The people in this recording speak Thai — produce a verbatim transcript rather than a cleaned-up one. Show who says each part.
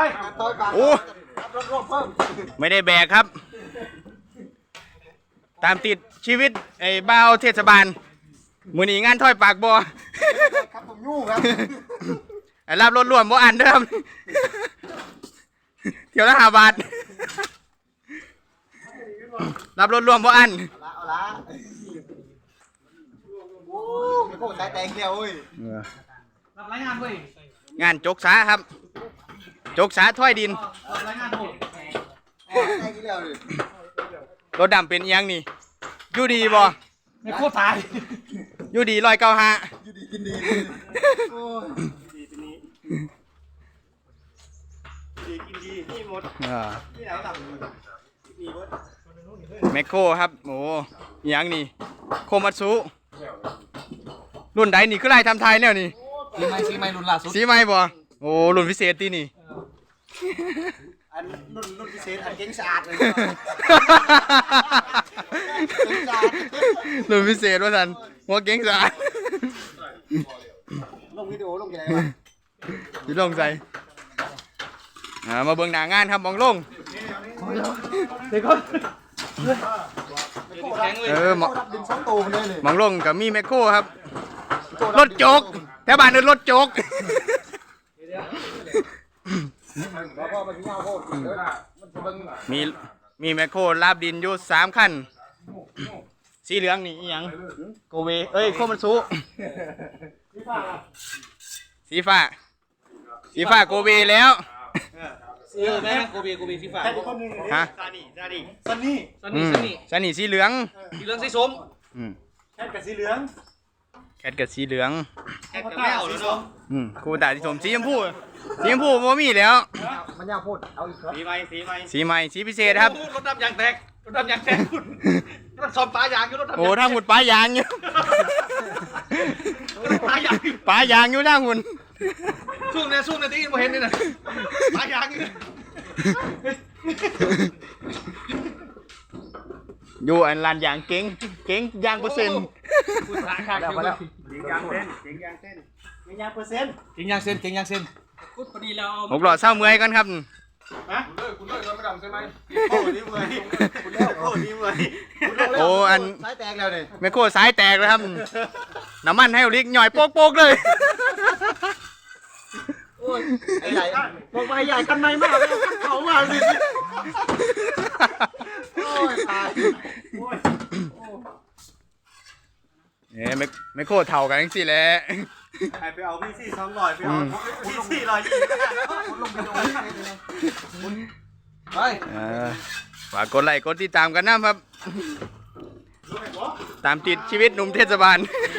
Speaker 1: โอ้ไม่ได้แบกครับตามติดชีวิตไอ้บ่าวเทศบาลมือนี้งานถ้อยปากบ่
Speaker 2: ครับผมยู่ครับ
Speaker 1: ไอ้รับรถร่วมบ่อันเดิมเที่ยวละห้าบาทรับรถร่วมบ่อัน
Speaker 2: ละเอาละโอ้ไม่โคตรสายแตงเดียวเว้ย
Speaker 3: รับรายงานเว้ย
Speaker 1: งานจกสาครับจกสาถ้อยดิน
Speaker 3: รับรายงานโหด
Speaker 2: แตงเดียวเลย
Speaker 1: รถดำเป็นยังนี่อยู่ดีบ่
Speaker 3: ไม่โคตรตาย
Speaker 1: อยู่ดีลอยเก้าห้า
Speaker 2: อยู่ดีกินดีโอ้ยดีเป็นนี้ดีกินดีนี่หมดนี่แล้วต่ำมีหมด
Speaker 1: แมคโครครับโอ้ยังนี่โคมัตสุรุ่นใดนี่คือไรทำไทยแล้วนี่
Speaker 3: สีไม้สีไม้รุ่นล่าสุด
Speaker 1: สีไม้บ่โอ้รุ่นพิเศษตีนี่
Speaker 2: อันรุ่นรุ่นพิเศษอันเก่งสะอาดเลย
Speaker 1: รุ่นพิเศษว่าสันหัวเก่งสะอาด
Speaker 2: ลงวิดีโอลงยังไงวะ
Speaker 1: ที่ลงใส่มาเบิ่งหน้างานครับมองลง
Speaker 3: เด็กคน
Speaker 1: เออมอง
Speaker 2: ดินสองตูมเลย
Speaker 1: มองลงกับมีแมคโครครับรถโจกแถวบ้านเดินรถโจกมีมีแมคโครลาบดินอยู่สามคันสีเหลืองนี่อีหยังโกเวเอ้ยโคมันสุสีฟ้าสีฟ้าโกเวแล้ว
Speaker 3: เออแม่โกบีโกบีสีฟ้า
Speaker 1: ฮะ
Speaker 2: ซานี่ซานี่ซันนี่
Speaker 3: ซันนี่ซันนี่
Speaker 1: ซันนี่สีเหลือง
Speaker 3: สีเหลืองสีส้ม
Speaker 2: แคทกับสีเหลือง
Speaker 1: แคทกับสีเหลือง
Speaker 3: แคทกับแมวสีส้ม
Speaker 1: อืมครูตาสีส้มสีชมพูสีชมพูโมมีแล้ว
Speaker 2: มันยากพูดเอาอีกครับสีใหม่สีใหม่
Speaker 1: สีใหม่สีพิเศษครับ
Speaker 3: รถดำยางแตกรถดำยางแตกคุณรถซอมปลายางอยู่รถดำ
Speaker 1: โอ้ถ้าหุ่นปลายางอยู่
Speaker 3: ปลายาง
Speaker 1: ปลายางอยู่ถ้าหุ่น
Speaker 3: ช่วงนี้ช่วงนี้ที่เราเห็นนี่นะปลายาง
Speaker 1: อยู่อันลานยางเก่งเก่งยางเปอร์เซ็นต์
Speaker 3: คุณราคาเท่าไหร่
Speaker 2: เก่งยางเส้นเก่งยางเส้นเก่งยางเปอร์เซ็นต์
Speaker 3: เก่งยางเส้นเก่งยางเส้นพูดพอดีแล้ว
Speaker 1: หกหลอดเศร้าเมื่อยกันครับ
Speaker 3: ฮะคุณเลิกคุณเลิกไม่ดำใช่ไหม
Speaker 2: โอ้นี่เมื่อยคุณเลิกโอ้นี่เมื่อย
Speaker 1: โอ้อัน
Speaker 2: สายแตกแล้วเนี่ย
Speaker 1: แมคโครสายแตกเลยครับน้ำมันให้ลิกหน่อยโป๊กๆเลย
Speaker 2: โอ้ยใหญ่บอกไปใหญ่กันไหนมากเลยเขามาสิโอ้ยตายโอ้ย
Speaker 1: เนี่ยไม่ไม่โคตรเท่ากันจริงๆแหละ
Speaker 2: ไปเอาพี่ซี่สองร้อยไปเอาพี่ซี่ร้อยยี่สิบลงไปดูไป
Speaker 1: ฝากกดไลค์กดติดตามกันนะครับตามติดชีวิตหนุ่มเทศบาล